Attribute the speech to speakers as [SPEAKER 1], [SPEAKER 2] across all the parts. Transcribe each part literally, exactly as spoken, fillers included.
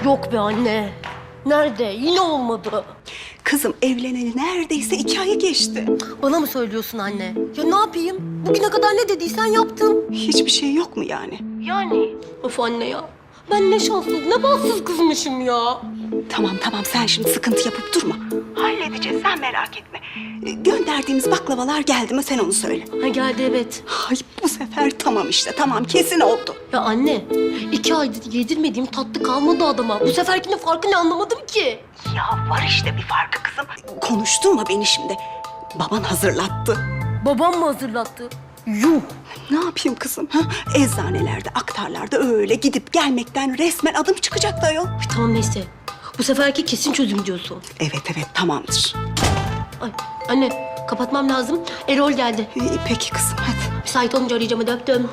[SPEAKER 1] Yok be anne. Nerede? Yine olmadı.
[SPEAKER 2] Kızım evleneli neredeyse iki ayı geçti.
[SPEAKER 1] Bana mı söylüyorsun anne? Ya ne yapayım? Bugüne kadar ne dediysen yaptım.
[SPEAKER 2] Hiçbir şey yok mu yani?
[SPEAKER 1] Yani? Of anne ya. Ben ne şanssız, ne bahtsız kızmışım ya.
[SPEAKER 2] Tamam tamam sen şimdi sıkıntı yapıp durma. Halledeceğiz sen merak etme. Ee, Gönderdiğimiz baklavalar geldi mi sen onu söyle.
[SPEAKER 1] Ha geldi evet.
[SPEAKER 2] Ay bu sefer tamam işte tamam kesin oldu.
[SPEAKER 1] Ya anne, iki aydır yedirmediğim tatlı kalmadı adama. Bu seferkinin farkı ne anlamadım ki.
[SPEAKER 2] Ya var işte bir farkı kızım. Konuşturma beni şimdi. Baban hazırlattı.
[SPEAKER 1] Babam mı hazırlattı? Yuh!
[SPEAKER 2] Ne yapayım kızım? Ha? Eczanelerde, aktarlarda öyle gidip gelmekten resmen adım çıkacaktı ayol.
[SPEAKER 1] Ay, tamam neyse. Bu seferki kesin çözüm diyorsun.
[SPEAKER 2] Evet evet tamamdır.
[SPEAKER 1] Ay anne, kapatmam lazım. Erol geldi.
[SPEAKER 2] Ee, peki kızım hadi.
[SPEAKER 1] Müsait olunca arayacağım, hadi öptüm.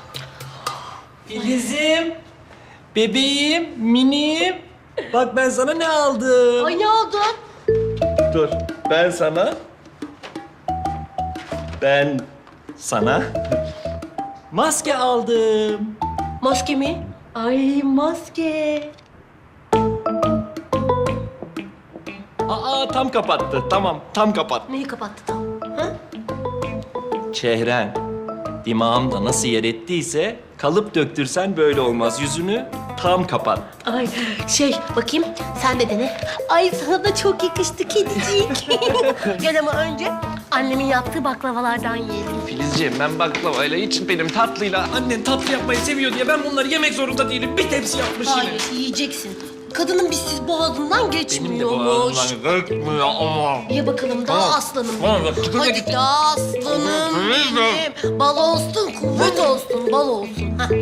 [SPEAKER 3] Filizim, bebeğim, minim. Bak ben sana ne aldım.
[SPEAKER 1] Ay ne aldın?
[SPEAKER 3] Dur, ben sana... Ben sana maske aldım.
[SPEAKER 1] Maske mi? Ay maske.
[SPEAKER 3] Aa tam kapattı. Tamam, tam kapat.
[SPEAKER 1] Neyi kapattı tam? Ha?
[SPEAKER 3] Çehren, dimağımda nasıl yer ettiyse kalıp döktürsen böyle olmaz. Yüzünü tam kapat.
[SPEAKER 1] Ay şey bakayım sen de dene. Ay sana da çok yakıştı kedicik. Gel ama önce annemin yaptığı baklavalardan yiyelim.
[SPEAKER 3] Filizciğim ben baklavayla hiç benim tatlıyla annen tatlı yapmayı seviyor diye ben bunları yemek zorunda değilim. Bir tepsi yapmış yine.
[SPEAKER 1] Hayır yiyeceksin. Kadının bizsiz boğazından
[SPEAKER 3] Benim de
[SPEAKER 1] geçmiyormuş.
[SPEAKER 3] boğazımdan gıkmıyor ama.
[SPEAKER 1] Ye bakalım daha
[SPEAKER 3] Tamam.
[SPEAKER 1] aslanım.
[SPEAKER 3] Tamam,
[SPEAKER 1] benim.
[SPEAKER 3] bak,
[SPEAKER 1] Hadi
[SPEAKER 3] git.
[SPEAKER 1] daha aslanım benim. Bal olsun, kuvvet olsun, bal olsun. Hah.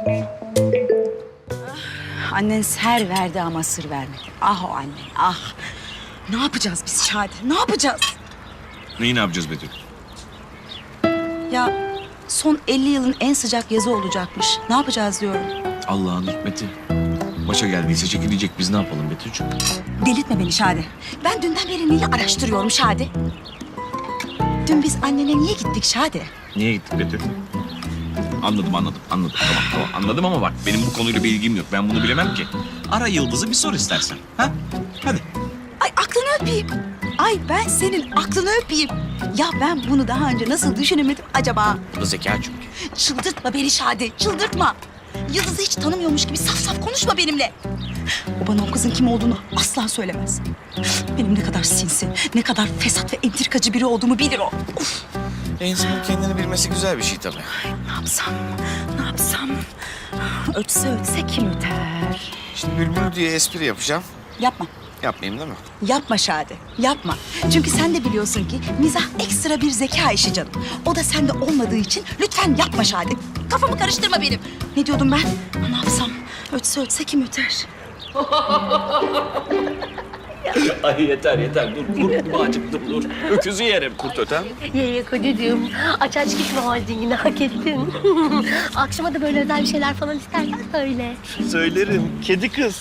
[SPEAKER 4] Annen ser verdi ama sır vermedi. Ah o anne, ah. Ne yapacağız biz Şadi? Ne yapacağız?
[SPEAKER 5] Neyi ne yapacağız Betül?
[SPEAKER 4] Ya son elli yılın en sıcak yazı olacakmış. Ne yapacağız diyorum.
[SPEAKER 5] Allah'ın hikmeti. Başa geldiyse çekilecek. Biz ne yapalım Betül'cüğüm?
[SPEAKER 4] Delirtme beni Şadi. Ben dünden beri neyi araştırıyorum Şadi? Dün biz annene niye gittik Şadi?
[SPEAKER 5] Niye gittik Betül? Anladım, anladım, anladım. Tamam, tamam. Anladım ama bak benim bu konuyla bir ilgim yok. Ben bunu bilemem ki. Ara Yıldız'ı bir sor istersen. Ha? Hadi.
[SPEAKER 4] Ay aklını öpeyim. Ay ben senin aklını öpeyim. Ya ben bunu daha önce nasıl düşünemedim acaba?
[SPEAKER 5] Bu da zeka çünkü.
[SPEAKER 4] Çıldırtma beni Şadi, çıldırtma. Yıldız'ı hiç tanımıyormuş gibi saf saf konuşma benimle. O bana o kızın kim olduğunu asla söylemez. Benim ne kadar sinsi, ne kadar fesat ve entrikacı biri olduğumu bilir o. Uf,
[SPEAKER 5] İnsanın kendini bilmesi güzel bir şey tabii.
[SPEAKER 4] ne yapsam, ne yapsam? Ötse ötse kim öter?
[SPEAKER 5] Şimdi Bülbül diye espri yapacağım.
[SPEAKER 4] Yapma,
[SPEAKER 5] Yapmayayım değil mi?
[SPEAKER 4] yapma Şadi, yapma. Çünkü sen de biliyorsun ki mizah ekstra bir zeka işi canım. O da sende olmadığı için lütfen yapma Şadi. Kafamı karıştırma benim. Ne diyordum ben? Ne yapsam? Ötse ötse kim öter?
[SPEAKER 3] Ay yeter yeter. Dur dur bağcık dur dur. Öküzü yerim. Kurt öter.
[SPEAKER 1] Ye ye kocacığım. Aç aç gitme holdingini hak ettin. Akşama da böyle özel bir şeyler falan istersen söyle.
[SPEAKER 3] Söylerim. Kedi kız.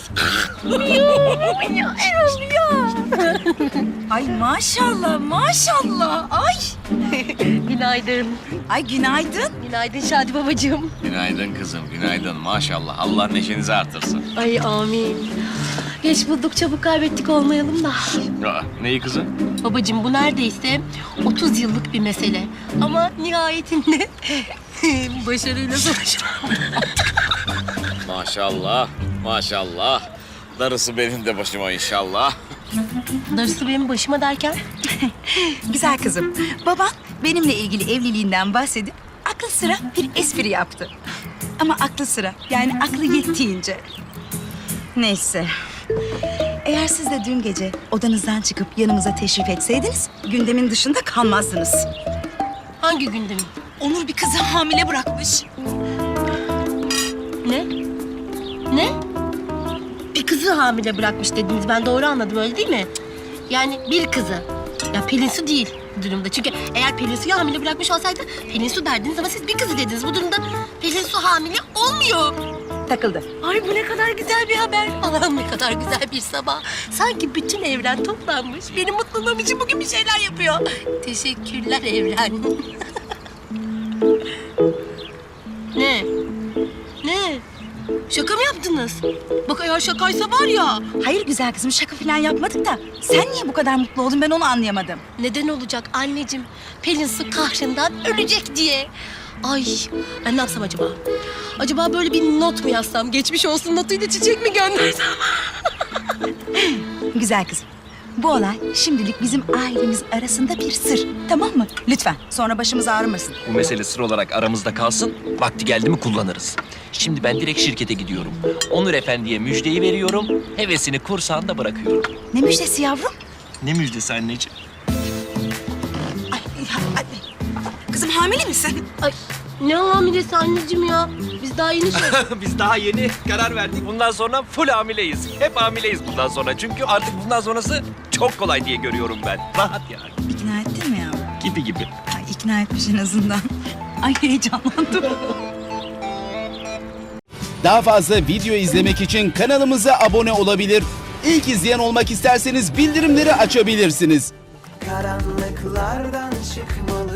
[SPEAKER 1] Ya Erol ya.
[SPEAKER 4] Ay maşallah, maşallah. Ay.
[SPEAKER 1] Günaydın.
[SPEAKER 4] Ay günaydın.
[SPEAKER 1] Günaydın Şadi babacığım.
[SPEAKER 5] Günaydın kızım, günaydın. Maşallah. Allah neşenizi artırsın.
[SPEAKER 1] Ay amin. Geç bulduk çabuk kaybettik olmayalım da.
[SPEAKER 5] Aa, neyi kızım?
[SPEAKER 1] Babacığım bu neredeyse otuz yıllık bir mesele. Ama nihayetinde başarıyla sonuçlandı.
[SPEAKER 5] Maşallah, maşallah. Darısı benim de başıma inşallah.
[SPEAKER 1] Darısı benim başıma derken?
[SPEAKER 4] Güzel kızım. Baban benimle ilgili evliliğinden bahsedip aklı sıra bir espri yaptı. Ama aklı sıra yani aklı yettiğince. Neyse. Eğer siz de dün gece odanızdan çıkıp yanımıza teşrif etseydiniz gündemin dışında kalmazdınız.
[SPEAKER 1] Hangi gündem?
[SPEAKER 4] Onur bir kızı hamile bırakmış.
[SPEAKER 1] Ne? Ne? Bir kızı hamile bırakmış dediniz. Ben doğru anladım öyle değil mi? Yani bir kızı. Ya Pelin Su değil bu durumda. Çünkü eğer Pelin Su'yu hamile bırakmış olsaydı Pelin Su derdiniz ama siz bir kızı dediniz. Bu durumda Pelin Su hamile olmuyor.
[SPEAKER 4] Takıldı.
[SPEAKER 1] Ay bu ne kadar güzel bir haber. Allah'ım ne kadar güzel bir sabah. Sanki bütün evren toplanmış. Benim mutluluğum için bugün bir şeyler yapıyor. Teşekkürler evren. Ne? Ne? Şaka mı yaptınız? Bak eğer şakaysa var ya.
[SPEAKER 4] Hayır güzel kızım, şaka falan yapmadık da sen niye bu kadar mutlu oldun, ben onu anlayamadım.
[SPEAKER 1] Neden olacak anneciğim? Pelin Su kahrından ölecek diye. Ay ben ne yapsam acaba? Acaba böyle bir not mu yazsam? Geçmiş olsun notuyla çiçek mi göndersem?
[SPEAKER 4] Güzel kızım, bu olay şimdilik bizim ailemiz arasında bir sır, tamam mı? Lütfen, sonra başımız ağrımasın.
[SPEAKER 3] Bu mesele sır olarak aramızda kalsın. Vakti geldi mi kullanırız. Şimdi ben direkt şirkete gidiyorum. Onur Efendi'ye müjdeyi veriyorum. Hevesini kursağında bırakıyorum.
[SPEAKER 4] Ne müjdesi yavrum?
[SPEAKER 3] Ne müjdesi anneciğim?
[SPEAKER 2] Ay, ay, ay. Kızım hamile misin?
[SPEAKER 1] Ay ne hamilesi anneciğim ya? Biz daha yeni şey...
[SPEAKER 3] Biz daha yeni karar verdik. Bundan sonra full hamileyiz. Hep hamileyiz bundan sonra. Çünkü artık bundan sonrası çok kolay diye görüyorum ben. Rahat yani.
[SPEAKER 4] İkna ettin mi yavrum?
[SPEAKER 3] Gibi gibi.
[SPEAKER 4] Ay, ikna etmiş en azından. Ay heyecanlandım.
[SPEAKER 6] Daha fazla video izlemek için kanalımıza abone olabilir. İlk izleyen olmak isterseniz bildirimleri açabilirsiniz.
[SPEAKER 7] Karanlıklardan çıkmalı